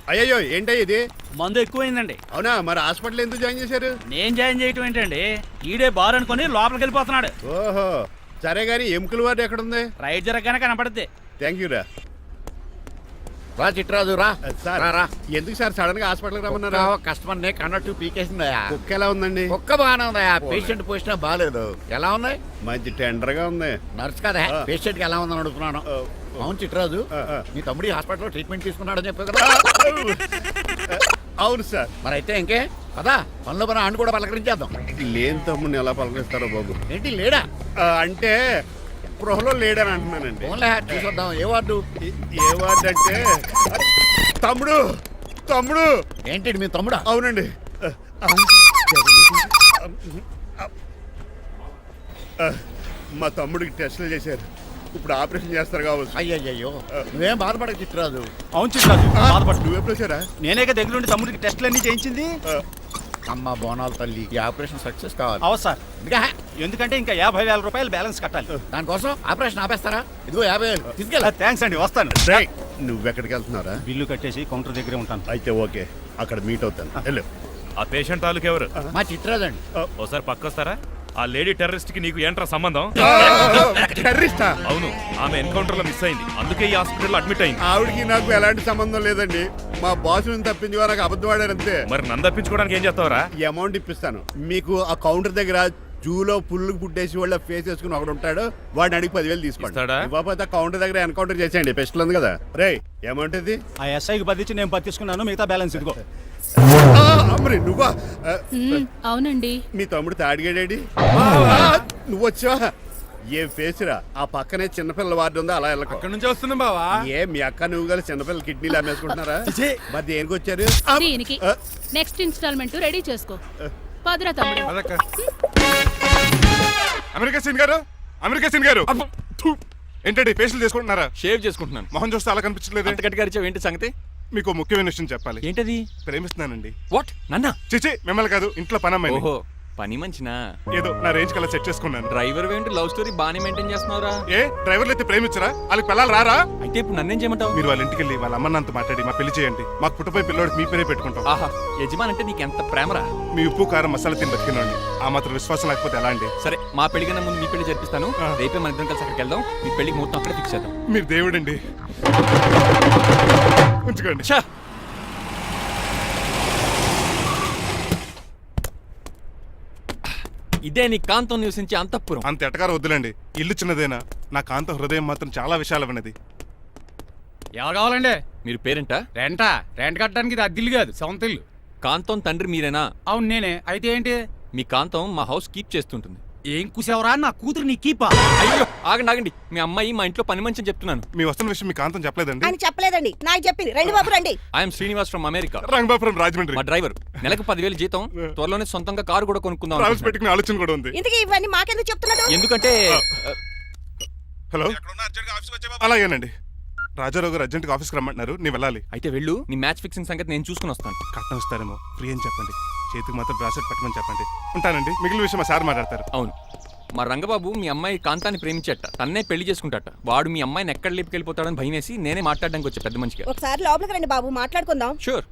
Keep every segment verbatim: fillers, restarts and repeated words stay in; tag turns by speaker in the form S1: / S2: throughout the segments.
S1: అయ్యో ఏంటో ఇది
S2: మందు ఎక్కువైందండి.
S1: అవునా? మరి హాస్పిటల్ ఎందుకు జాయిన్ చేశారు?
S2: నేను జాయిన్ చేయటం ఏంటండి, ఈడే బార్ అనుకుని లోపలికి వెళ్ళిపోతున్నాడు.
S1: ఓహో సరే గానీ ఎముకల వార్డు ఎక్కడుంది?
S2: రైట్ జరగగానే కనపడుద్ది.
S1: థ్యాంక్ యూ రా.
S3: రా చిట్రాజు రా.
S1: సార్
S3: రా
S1: ఎందుకు సార్ సడన్ గా హాస్పిటల్కి రమ్మన్నారా?
S3: కస్టమర్ నే కన్నట్టు పీకేసిందయా.
S1: కుక్క ఎలా ఉందండి?
S3: కుక్క బాగానే ఉందయా, పేషెంట్ పొజిషన్ బాగాలేదు. ఎలా ఉంది?
S1: మంచి టెండర్ గా ఉంది.
S3: నర్స్ కదా పేషెంట్ కి ఎలా ఉందని అడుగుతున్నాను. అవును చిట్రాజు, నీ తమ్ముడి హాస్పిటల్లో ట్రీట్మెంట్ తీసుకున్నాడని చెప్పావు కదా.
S1: అవును సార్.
S3: మరి అయితే ఇంకే కదా పనులు పని ఆండు కూడా పలకరించేద్దాం.
S1: లేని తమ్ముడిని ఎలా పలకరిస్తారో బాబు.
S3: ఏంటి లేడా?
S1: అంటే గృహలో లేడని అంటున్నానండి.
S3: ఓన్లీ చూసొద్దాం. ఏ వార్డు?
S1: ఏ వార్డు అంటే తమ్ముడు తమ్ముడు
S3: ఏంటి మీ తమ్ముడా?
S1: అవునండి. మా తమ్ముడికి టెస్టులు చేశారు, ఇప్పుడు ఆపరేషన్ చేస్తారు కావచ్చు.
S3: అయ్యయ్యో నువ్వేం బాధపడక చిట్రాజు.
S2: అవును చిట్రాజు, బాధపడు.
S1: నువ్వు ఎప్పుడు వచ్చారా?
S2: నేనే దగ్గర ఉండి తమ్ముడికి టెస్టులు అన్ని చేయించింది.
S3: అమ్మ బోనాల తల్లి, ఈ ఆపరేషన్ సక్సెస్ కావాలి.
S2: అవు సార్,
S3: ఇంకా
S2: ఎందుకంటే ఇంకా యాభై వేల రూపాయలు బ్యాలెన్స్ కట్టాలి.
S3: దానికోసం ఆపరేషన్ ఆపేస్తారా? ఇదిగో యాభై వేలు తీసుకెళ్ళా.
S2: థ్యాంక్స్ అండి, వస్తాను.
S1: నువ్వెక్కడికి వెళ్తున్నారా?
S2: బిల్లు కట్టేసి కౌంటర్ దగ్గరే ఉంటాను.
S1: అయితే ఓకే, అక్కడ మీట్ అవుతాను. వెళ్ళు.
S4: ఆ పేషెంట్ తాలూకు ఎవరు?
S3: మా చిట్రాజు అండి.
S4: ఓసారి పక్కొస్తారా? ఆ లేడీ టెర్రరిస్ట్ కి నీకు ఏంట్రా సంబంధం?
S1: టెర్రరిస్టా?
S4: అవును, ఆమె ఎన్కౌంటర్ లో మిస్ అయింది, అందుకే ఈ హాస్పిటల్ అడ్మిట్ అయింది.
S1: ఆవిడకి నాకు ఎలాంటి సంబంధం లేదండి. మా బాస్ నుంచి తప్పించి నాకు అబద్ధం ఆడారు అంతే.
S4: మరి నన్ను తప్పించుకోవడానికి ఏం చేస్తావరా?
S1: ఈ అమౌంట్ ఇప్పిస్తాను మీకు. ఆ కౌంటర్ దగ్గర జూలో పుల్లు పుట్టేసి వాళ్ళ ఫేస్ వేసుకుని ఒకడు ఉంటాడు, వాడిని అడిగి పదివేలు తీసుకోండి. ఇవ్వకపోతే కౌంటర్ దగ్గర ఎన్కౌంటర్ చేసేయండి. పెస్టల్ ఉంది కదా. రే అమౌంట్ ఇది.
S2: ఆ ఎస్ఐకి బదిలించి నేను పది తీసుకున్నాను, మిగతా బ్యాలెన్స్ ఇదిగో.
S1: అమ్మరే నువ్వా?
S5: అవునండి.
S1: మీ తమ్ముడు తాడిగాడేడి? నువ్వు వచ్చావా? ఏ ఫేస్ రా. ఆ పక్కనే చిన్నపిల్లల వార్డు ఉందా, అలా వెళ్ళక.
S6: అక్కడ నుంచి వస్తున్నాం బావా.
S1: ఏ మీ అక్క నువ్వు గల చిన్నపిల్లల కిడ్నీలు అమ్మేసుకుంటున్నారా? మరి దేనికి వచ్చారు?
S5: దీనికి నెక్స్ట్ ఇన్స్టాల్మెంట్ రెడీ చేసుకో. పదరా తమ్ముడు.
S6: అమెరికా సీన్ గారు, అమెరికా సీన్ గారు ఏంటండి ఫేషియల్ చేసుకుంటున్నారా?
S7: షేవ్ చేసుకుంటున్నాను.
S6: మొహం చూస్తే అలా కనిపించలేదు.
S7: అంత గట్టిగా అరిచావు, ఏంటి సంగతి?
S6: మీకు ముఖ్యమైన విషయం చెప్పాలి.
S7: ఏంటది?
S6: ప్రేమిస్తున్నానండి.
S7: వాట్? నన్నా?
S6: చిచి మిమ్మల్ని కాదు, ఇంట్లో పనమ్మాయి.
S7: ఓహో, పని మంచినా?
S6: ఏదో నా రేంజ్ కల్లా సెట్ చేసుకున్నాను.
S7: డ్రైవర్ ఏంటి లవ్ స్టోరీ బాగానే మెయింటైన్ చేస్తున్నావురా?
S6: ఏ డ్రైవర్లు అయితే ప్రేమించరా? వాళ్ళకి పిల్లలు రారా?
S7: అయితే ఇప్పుడు నన్నేం చేయమంటావు?
S6: మీరు వాళ్ళ ఇంటికి వెళ్ళి వాళ్ళ అమ్మ నాన్నతో మాట్లాడి మా పెళ్లి చేయండి. మాకు పుట్టపోయి పిల్లోడికి మీ పేరే పెట్టుకుంటాం.
S7: ఆహా, యజమాన్ అంటే నీకు ఎంత ప్రేమరా?
S6: మీ ఉప్పు కారం మసాలా తిని బతికినండి. ఆ మాత్రం విశ్వాసం లేకపోతే ఎలా అండి?
S7: సరే, మా పెళ్లి కన్నా ముందు మీ పెళ్లి జరిపిస్తాను. రేపే మన ఇద్దరం కలిసి అక్కడికి వెళ్దాం. మీ పెళ్లికి ముహూర్తం అక్కడే ఫిక్స్ చేద్దాం.
S6: మీరు దేవుడండి. ఉంచుకోండి.
S7: ఇదే నీ కాంతం నివసించే అంతఃపురం.
S6: అంత ఎటకారం వద్దులండి, ఇల్లు చిన్నదేనా, నా కాంత హృదయం మాత్రం చాలా విశాలమైనది.
S8: ఎవరు కావాలండి?
S7: మీరు పేరెంటా?
S8: రెంటా? రెంట్ కట్టడానికి ఇది అద్దిల్లు కాదు, సొంత ఇల్లు.
S7: కాంతం తండ్రి మీరేనా?
S8: అవును నేనే. అయితే ఏంటి?
S7: మీ కాంతం మా హౌస్ కీప్ చేస్తుంటుంది.
S8: ఏం కూసేవరా? నా కూతురు నీ కీపా?
S7: అయ్యో ఆగండి ఆగండి, మీ అమ్మాయి మా ఇంట్లో పని మంచి అని చెప్తున్నాను.
S6: మీ వస్తున్న విషయం మీ కాంతం చెప్పలేదండి?
S9: అని చెప్పలేదండి, నాకు చెప్పింది. రండి బాబు రండి.
S7: I am Srinivas from America.
S6: Rangabapuram Rajahmundry.
S7: మా డ్రైవర్. నెలకు పదివేలు జీతం, త్వరలోనే సొంతంగా కారు కూడా కొనుక్కుందాం.
S6: ట్రావెల్స్ పెట్టుకునే ఆలోచన కూడా ఉంది.
S9: ఇంతకీ ఇవన్నీ మాకెందుకు చెప్తున్నాడు?
S7: ఎందుకంటే
S6: హలో, అలాగేనండి. రాజారావు గారు అర్జెంట్ గా ఆఫీస్కి రమ్మంటున్నారు, నీ వెళ్ళాలి.
S7: అయితే వెళ్ళు, నీ మ్యాచ్ ఫిక్సింగ్ సంగతి నేను చూసుకుని వస్తాను.
S6: కట్నం ఇస్తారేమో, ఫ్రీ అని చెప్పండి. చేతికి మాత్రం బ్రాసెట్ పెట్టమని చెప్పండి. ఉంటానండి. మిగిలిన విషయం మా సార్ మాట్లాడతారు.
S7: అవును, మా రంగబాబు మీ అమ్మాయి కాంతాన్ని ప్రేమించట, తన్నే పెళ్లి చేసుకుంటాట. వాడు మీ అమ్మాయిని ఎక్కడ లేపుకెళ్ళిపోతాడని భయం వేసి నేనే మాట్లాడడానికి వచ్చా పెద్ద మనిషిగా.
S9: ఒకసారి లోపలికి రండి బాబు, మాట్లాడుకుందాం.
S7: షూర్.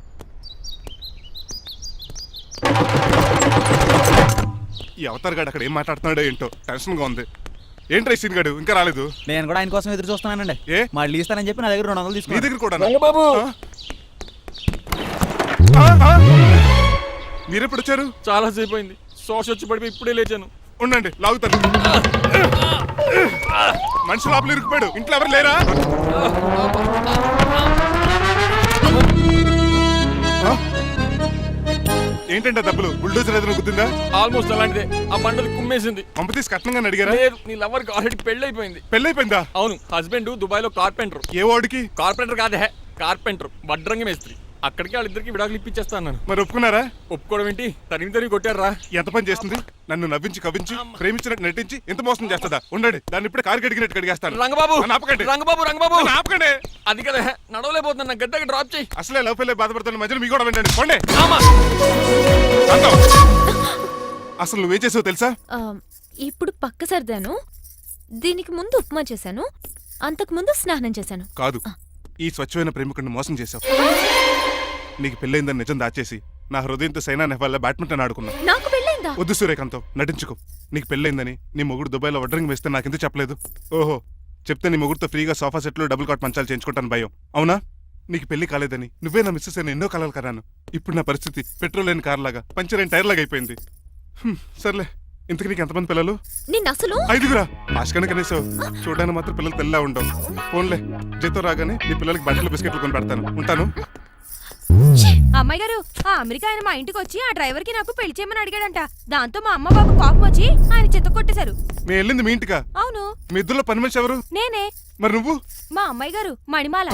S6: ఈ అవతార్ గాడు అక్కడ ఏం మాట్లాడుతున్నాడో ఏంటో టెన్షన్ గా ఉంది. ఏంట్రా సీన్ గాడు ఇంకా రాలేదు?
S2: నేను కూడా ఆయన కోసం ఎదురు చూస్తున్నానండి.
S6: ఏ
S2: మళ్ళీ ఇస్తానని చెప్పి నా దగ్గర రెండు వందలు తీసుకుని.
S6: మీ దగ్గర కూడా?
S7: రంగబాబు
S6: మీరెప్పుడు వచ్చారు?
S7: చాలా సేపు అయింది, సోష వచ్చి పడిపోయి ఇప్పుడే లేచాను.
S6: ఉండండి లాగుతాను. మనిషి లోపల ఇరుక్కుపోయాడు, ఇంట్లో ఎవరు లేరా? ఏంటంటే డబ్బులు బుల్డోజర్ ఏదైనా గుర్తుందా?
S7: ఆల్మోస్ట్ అలాంటిదే. ఆ బండలు కుమ్మేసింది.
S6: పంప తీసి కట్నంగా అడిగారా?
S7: లేదు, నీ లవర్ కి ఆల్రెడీ పెళ్లి అయిపోయింది.
S6: పెళ్లి అయిపోయిందా?
S7: అవును, హస్బెండ్ దుబాయ్ లో కార్పెంటర్.
S6: ఏ వాడికి?
S7: కార్పెంటర్ కాదే, కార్పెంటర్, వడ్రంగి మేస్త్రి. అక్కడికి వాళ్ళిద్దరికి విడాకులు ఇప్పించేస్తాను.
S6: మరి ఒప్పుకున్నారా?
S7: ఒప్పుకోవడం ఏంటి, తరిమి తరిమి కొట్టారా.
S6: ఎంత పని చేస్తుంది? నన్ను నవ్వించి కవించి ప్రేమించినట్టు నటించి ఎంత మోసం చేస్తుందా? ఉండండి, దాన్ని ఇప్పుడే కారు కడిగినట్టు కడిగేస్తాను.
S7: రంగబాబు
S6: ఆపకండి.
S7: రంగబాబు రంగబాబు
S6: ఆపకండి.
S7: అది కదా, నడవలేకపోతున్నా, గద్దకి డ్రాప్ చేయి.
S6: అసలే లవ్ ఫెయిల్ బాధపడుతున్న మధ్యలో మీ కూడా వెంటండి. పోండి. అసలు నువ్వేం చేసావు తెలుసా?
S5: ఇప్పుడు పక్క సర్దాను. దీనికి ముందు ఉప్మా చేశాను, అంతకు ముందు స్నానం చేశాను.
S6: కాదు, ఈ స్వచ్ఛమైన ప్రేమికుడిని మోసం చేశావు. నీకు పెళ్ళైందని నిజం దాచేసి నా హృదయంతో సైనా నెహ్వాల్ బ్యాడ్మింటన్ ఆడుకున్నా.
S5: నాకు పెళ్ళైందా?
S6: వద్దు సూర్యకాంతం, నటించుకో. నీకు పెళ్ళైందని నీ మొగుడు దుబాయ్లో వడ్రింగ్ వేస్తే నాకెందుకు చెప్పలేదు? ఓహో, చెప్తే నీ మొగుడుతో ఫ్రీగా సోఫా సెట్లు డబుల్ కాట్ మంచాలు చేయించుకుంటాను భయం. అవునా? నీకు పెళ్లి కాలేదని నువ్వే నా మిస్సెస్ అని ఎన్నో కలలు కరాను. ఇప్పుడు నా పరిస్థితి పెట్రోల్ లేని కార్ లాగా, పంచర్ అయిన టైర్ లాగా అయిపోయింది. హ్మ్, సర్లే. ఇంతకు నీకు ఎంతమంది పిల్లలు?
S5: నిన్ను అసలు
S6: ఐదుగురా. ఆశకనే కనీసం చూడడానికి మాత్రం పిల్లలు తెల్లా ఉండవు. ఫోన్లే, జీతం రాగానే నీ పిల్లలకి బట్టలు బిస్కెట్లు కొని పెడతాను. ఉంటాను.
S10: అమ్మాయి గారు, ఆ అమెరికా ఆయన మా ఇంటికి వచ్చి ఆ డ్రైవర్ కి నాకు పెళ్లి చేయమని అడిగాడంట. దాంతో మా అమ్మ బాబు కోపం వచ్చి ఆయన చెత్త కొట్టేశారు.
S6: నేను వెళ్ళింది మీ ఇంటికా?
S10: అవును.
S6: మీ ఇద్దరులో పని మనిషి ఎవరు?
S10: నేనే.
S6: మరి నువ్వు?
S10: మా అమ్మాయి గారు మణిమాల.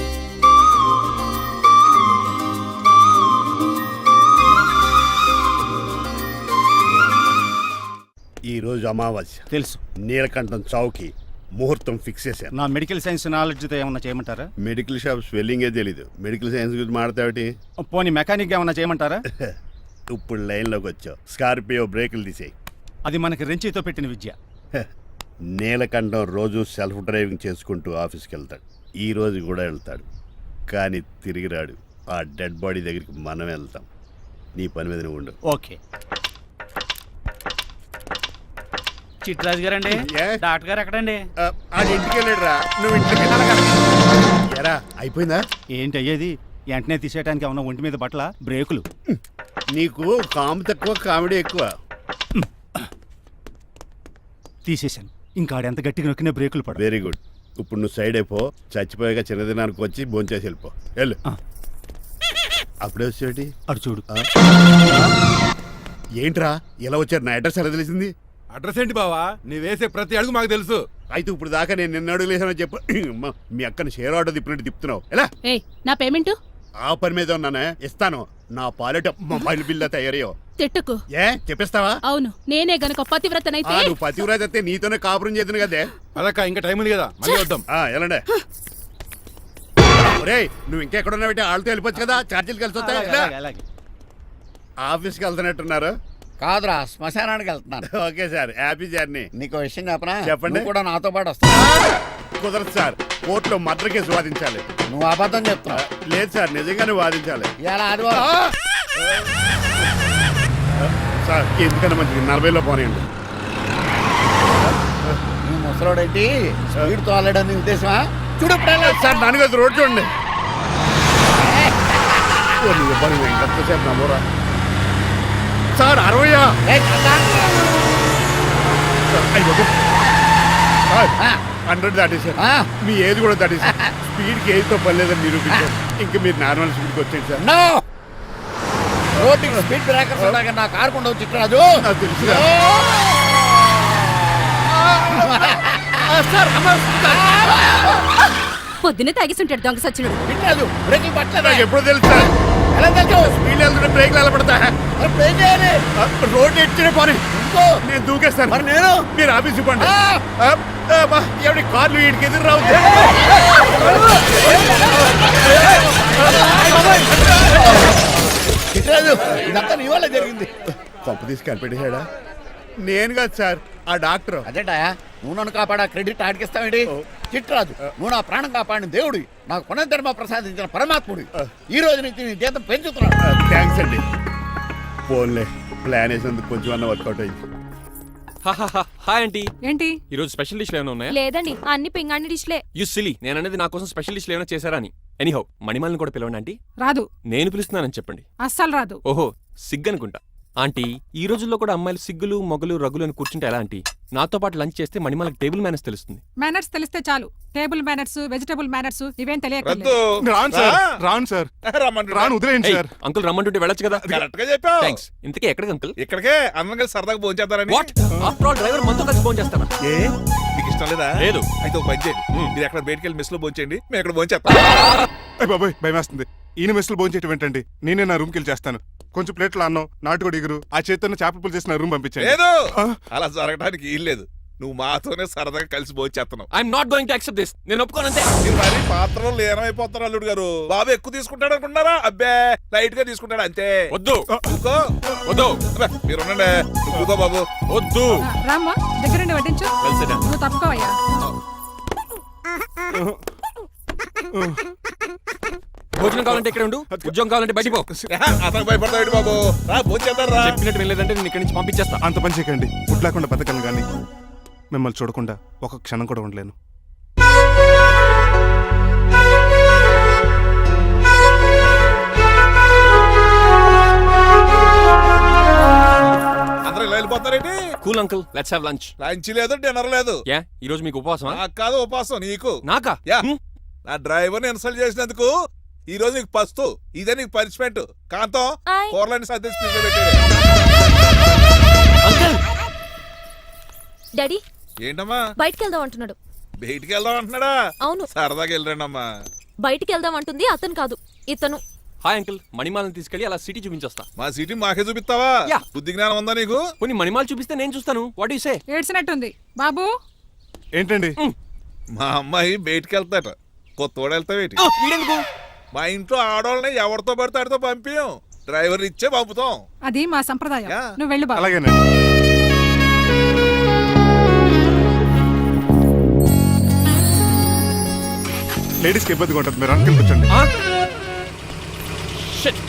S1: ఈ రోజు అమావాస్య
S8: తెలుసు.
S1: నీలకంఠం చౌకి ముహూర్తం ఫిక్స్ చేశాను.
S8: నా మెడికల్ సైన్స్ నాలెడ్జ్తో ఏమన్నా చేయమంటారా?
S1: మెడికల్ షాప్ స్వెల్లింగే తెలీదు, మెడికల్ సైన్స్ గురించి మాడతావిటి?
S8: పోనీ మెకానిక్ ఏమన్నా చేయమంటారా?
S1: ఇప్పుడు లైన్లోకి వచ్చావు. స్కార్పియో బ్రేకులు తీసేయి.
S8: అది మనకి రెంచితో పెట్టిన విద్య.
S1: నీలకంఠం రోజు సెల్ఫ్ డ్రైవింగ్ చేసుకుంటూ ఆఫీస్కి వెళ్తాడు. ఈ రోజు కూడా వెళ్తాడు, కానీ తిరిగి రాడు. ఆ డెడ్ బాడీ దగ్గరికి మనం వెళ్తాం. నీ పని మీద నువ్వు ఉండు.
S8: ఓకే.
S2: చిట్రాజు గారండి,
S1: ఏ?
S2: డాక్టర్ గారు ఎక్కడండి?
S1: ఆ, ఆడు ఇంటికి వెళ్ళాడు రా. నువ్వు ఇంటికి ఎరా అయిపోయిందా?
S8: ఏంటి అయ్యేది? వెంటనే తీసేయడానికి ఏమన్నా ఒంటి మీద బట్టల బ్రేకులు?
S1: నీకు కాము తక్కువ, కామెడీ ఎక్కువ.
S8: తీసేశాను. ఇంకా ఆడెంత గట్టిగా నొక్కిన బ్రేకులు పడ.
S1: Very good. ఇప్పుడు నువ్వు సైడ్ అయిపో. చచ్చిపోయాక చిన్నదినానికి వచ్చి భోంచేసి వెళ్ళిపో. వెళ్ళు.
S8: ఆ.
S1: అప్పుడే వచ్చేటి?
S8: అటు చూడు.
S1: ఏంట్రా ఇలా వచ్చారు? నా అడ్రస్ ఎలా తెలిసింది?
S11: అడ్రస్ ఏంటి బావా? నీ వేసే ప్రతి అడుగు మాకు తెలుసు.
S1: అయితే ఇప్పుడు దాకా నేను నిన్న అడుగులేసానో చెప్పు. అమ్మా, మీ అక్కని షేర్ ఆర్డర్ తిప్పినట్టు తిప్పుతున్నావు. ఎలా?
S5: ఏయ్, నా పేమెంట్
S1: ఆ పని మీద ఉన్నానే, ఇస్తాను. నా పాలెట మొబైల్ బిల్లా తయారయ్యో.
S5: తిట్టుకు.
S1: ఏ చెప్పిస్తావా?
S5: అవును, నేనే గనక పతివ్రతనైతే
S1: ఆ, నువ్వు పతివ్రాజ్ అయితే నీతోనే కాపురం చేద్దును కదే.
S11: అదక్క ఇంకా టైం ఉంది కదా, మళ్ళీ వద్దాం.
S1: ఆ, ఎలాండే? ఒరేయ్, నువ్వు ఇంకెక్కడున్నావు? వాళ్ళతో వెళ్ళిపోవచ్చు కదా, ఛార్జీలు కలిసి వస్తాయి.
S8: అలాగే, అలాగే, అలాగే.
S1: ఆఫీస్కి వెళ్తున్నట్టున్నారు.
S3: కాదురా, శ్మశానానికి వెళ్తున్నాను.
S1: Okay sir, happy journey.
S3: నీకు విషయం చెప్పనా?
S1: చెప్పండి.
S3: నువ్వు కూడా నాతో పాటు వస్తావు.
S1: కుదరదు సార్, కోర్టులో మర్డర్ కేసు వాదించాలి.
S3: నువ్వు అబద్ధం చెప్తున్నావు.
S1: లేదు సార్, నిజంగానే వాదించాలి.
S3: ఇలా ఆదివారం
S1: సార్, ఎందుకన్నా మంచిది నలభైలో పోనీయండి.
S3: నువ్వు ముసలోడేంటి స్పీడ్ తోలడని ఉద్దేశమా? చూడు
S1: సార్, నాన్నగారు రోడ్ చూడండి. ఓ, నీ ఇబ్బంది ఎంతసేపు నమ్మరా సార్? అరవయా? హండ్రెడ్ దాటేశారు. మీ ఏది కూడా దాటేశారు. స్పీడ్కి ఏదితో పని లేదని నిరూపించారు. ఇంకా మీరు నార్మల్ స్పీడ్కి వచ్చేది సార్.
S3: రోడ్డు స్పీడ్ బ్రేకర్స్ ఉండగా నా కారు కొండ వచ్చి రాజు.
S1: నాకు తెలుసు
S10: పొద్దున్నే తాగిస్తుంటాడు దొంగ సచ్చినుడు.
S3: వినలేదు, బ్రేకులు పట్టలేదు.
S1: నాకు ఎప్పుడో తెలుసు సార్.
S3: ఎలా తెలుసు?
S1: స్పీడ్ వెళ్తుంటే బ్రేక్లు ఎలా పడతా?
S3: మరి ఏం చేయాలి?
S1: రోడ్డు ఎట్టిన పోనీ
S3: ఇంకో
S1: నేను దూకేస్తాను.
S3: మరి నేను
S1: మీరు ఆఫీస్ ఇవ్వండి.
S3: ఆ!
S1: ఎవరి కార్లు వీటికి ఎదురు రావు.
S3: చిట్రాజు, ఇదంతా నీ వల్ల జరిగింది.
S1: తప్పు తీసి కనిపెట్టేశాడా? నేను కాదు సార్, ఆ డాక్టర్.
S3: అదేటా నువ్వు నన్ను కాపాడా క్రెడిట్ ఆడికిస్తావేంటి? చిట్రాజు, నువ్వు నా ప్రాణం కాపాడిన దేవుడి, నాకు పునర్ధర్మ ప్రసాదించిన పరమాత్ముడి. ఈ రోజు నుంచి నీ జీతం పెంచుతున్నాడు.
S1: థ్యాంక్స్ అండి. ఫోన్లే, ప్లాన్ వేసినందుకు కొంచెం అన్న వర్కౌట్ అయింది.
S7: Hi aunty.
S10: ఏంటి
S7: ఈ రోజు స్పెషల్ డిష్లు ఏమైనా ఉన్నాయా?
S10: లేదండి, అన్ని పింగాణి డిష్లే.
S7: యు సిలీ, నేను అనేది నా కోసం స్పెషల్ డిష్లు ఏమైనా చేశారా అని. ఎనీహౌ, మణిమాలని కూడా పిలవండి ఆంటీ.
S5: రాదు.
S7: నేను పిలుస్తున్నానని చెప్పండి.
S5: అస్సలు రాదు.
S7: ఓహో, సిగ్గు అనుకుంటా. ఆంటీ, ఈ రోజుల్లో కూడా అమ్మాయిలు సిగ్గులు మొగలు రగులు అని కూర్చుంటే ఎలా ఆంటీ? నాతో పాటు లంచ్ చేస్తే మణిమాలకి టేబుల్ మేనేజ్ తెలుస్తుంది.
S5: మేనర్స్ తెలిస్తే చాలు. టేబుల్ మేనర్స్, వెజిటబుల్ మేనర్స్ ఇవేం తెలియదు.
S6: రాను సార్, రాను సార్, రాను, వదిలేయండి సార్.
S7: అంకుల్ రమ్మంటుంటే వెళ్ళొచ్చు కదా.
S11: కరెక్ట్ గా చెప్పావు.
S7: థ్యాంక్స్. ఇంతకీ ఎక్కడికి అంకుల్?
S11: ఇక్కడికే అందరం కలిసి సరదాగా భోంచేద్దారని.
S7: వాట్? ఆఫ్టర్ ఆల్ డ్రైవర్ మనతో కలిసి ఫోన్ చేస్తాను.
S11: ఏ మీకు ఇష్టం లేదా?
S7: లేదు.
S11: అయితే ఒక పని చేయండి, మీరు ఎక్కడ బయటికి వెళ్ళి మెస్ లో భోంచేయండి, మేము ఎక్కడ భోంచేస్తాం.
S6: అయ్య బాబాయ్, భయం వేస్తుంది. ఈయన మెస్సులు భోంచేయటం ఏంటండి? నేనే నా రూమ్కి వెళ్ళి చేస్తాను. కొంచెం ప్లేట్లు అన్నం, నాటుకోడి ఇగురు, ఆ చేతితో చేపల పులుసు చేసిన రూమ్ పంపించాను.
S11: లేదు, అలా జరగడానికి ఏం లేదు. నువ్వు మాతోనే సరదాగా కలిసి భోంచేస్తున్నావు.
S7: I'm not going to accept this. నేను ఒప్పుకోనంతే.
S11: మీరు మరి పాత్రలో లీనమైపోతారు అల్లుడు గారు. బాబు ఎక్కువ తీసుకుంటాడు అనుకుంటారా? అబ్బే, లైట్ గా తీసుకుంటాడు అంతే.
S7: వద్దు,
S11: ఊకో.
S7: వద్దు.
S11: అబ్బే, మీరు ఉండండి. ఊకో బాబు.
S7: వద్దు.
S5: రామ్మా, దగ్గరుండి వడ్డించు.
S7: Well said.
S5: నువ్వు తప్పుకోవయ్యా.
S7: భోజనం కావాలంటే ఇక్కడ ఉండు, ఉద్యోగం కావాలంటే బయటికి పో.
S11: అతను భయపడతాడు బాబు. రా భోజనం చేద్దాం రా.
S7: చెప్పినట్టు వెళ్ళలేదంటే నేను ఇక్కడి నుంచి పంపించేస్తా.
S6: అంత పని చేయకండి. ఫుడ్ లేకుండా బతకలను కానీ మిమ్మల్ని చూడకుండా ఒక క్షణం కూడా ఉండలేను.
S11: అందరూ ఇలా వెళ్ళిపోతారేంటి?
S7: Cool uncle, let's have lunch.
S11: Lunch లేదు డిన్నర్ లేదు.
S7: యా ఈ రోజు మీకు ఉపవాసమా?
S11: నాకు కాదు ఉపాసం, నీకు.
S7: నాకా?
S11: యా
S7: హ్మ్.
S11: నా డ్రైవర్ ని ఇన్సల్ట్ చేసినందుకు ఈ రోజు నీకు పస్తు. ఇదే నీకు పనిష్మెంట్. కాంతం
S10: ఆయ్.
S11: కూరలని సర్దేసి ఫ్రిడ్జ్లో పెట్టాడు.
S7: అంకుల్
S10: డాడీ
S11: ఏంటమ్మా
S10: బయటికి వెళ్దాం అంటున్నాడు.
S11: బయటికి వెళ్దాం అంటున్నాడా?
S10: అవును,
S11: సరదాగా వెళ్ళరండమ్మా.
S10: బయటికి వెళ్దాం అంటుంది అతను కాదు, ఇతను.
S7: హాయ్ అంకుల్, మణిమాలను తీసుకెళ్లి అలా సిటీ చూపించేస్తా.
S11: మా సిటీ మాకే చూపిస్తావా?
S7: యా.
S11: బుద్ధి జ్ఞానం ఉందా నీకు?
S7: కొన్ని మణిమాలు చూపిస్తే నేను చూస్తాను. What you say?
S5: ఏడ్చినట్టుంది బాబు.
S6: ఏంటండి?
S11: మా అమ్మాయి బయటికి వెళ్తాట. కొత్తోడు వెళ్తావేటి?
S7: వీడెందుకు?
S11: మా ఇంట్లో ఆడవాళ్ళని ఎవరితో పడితే ఆడితో పంపించం. డ్రైవర్ ఇచ్చే పంపుతాం.
S5: అది మా సంప్రదాయం.
S11: యా.
S5: నువ్వు వెళ్ళు బాబు.
S6: అలాగేనండి. లేడీస్కి ఇబ్బందిగా ఉంటుంది, మీరు అంకుల్ కూర్చోండి.
S7: ఆ? Shit.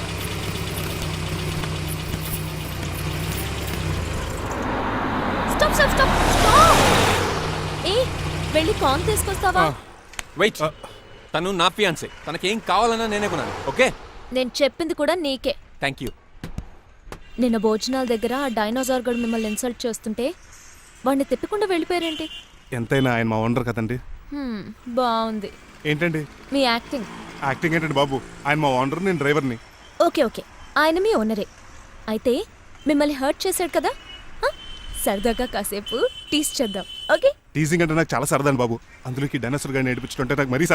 S10: Stop stop stop stop. ఏ వెళ్ళి కాన్ తీసుకొస్తావా?
S7: వెయిట్, తను నా ఫియాన్సే. తనకేం కావాలన్నా నేనే కొనాలి. ఓకే,
S10: నేను చెప్పింది కూడా నీకే.
S7: Thank you.
S10: నిన్న భోజనాల దగ్గర ఆ డైనోసార్ గడు మిమ్మల్ని ఇన్సల్ట్ చేస్తుంటే వాడిని తిప్పకుండా వెళ్ళిపోయారేంటి?
S6: ఎంతైనా ఆయన మా ఓనర్ కదండి.
S10: హ్మ్, బాగుంది
S6: ఏంటండి
S10: మీ యాక్టింగ్.
S6: యాక్టింగ్ ఏంటండి బాబు? ఆయన మా ఓనర్, నేను డ్రైవర్ని.
S10: ఓకే ఓకే, ఆయన మీ ఓనరే. అయితే మిమ్మల్ని హర్ట్ చేశాడు కదా, ఆ? సరదాగా కాసేపు టీస్ చేద్దాం. ఓకే,
S6: టీజింగ్ అంటే నాకు చాలా సరదా బాబు. అందులోకి డైనోసార్ గారిని ఏడిపించుకుంటే నాకు మరీ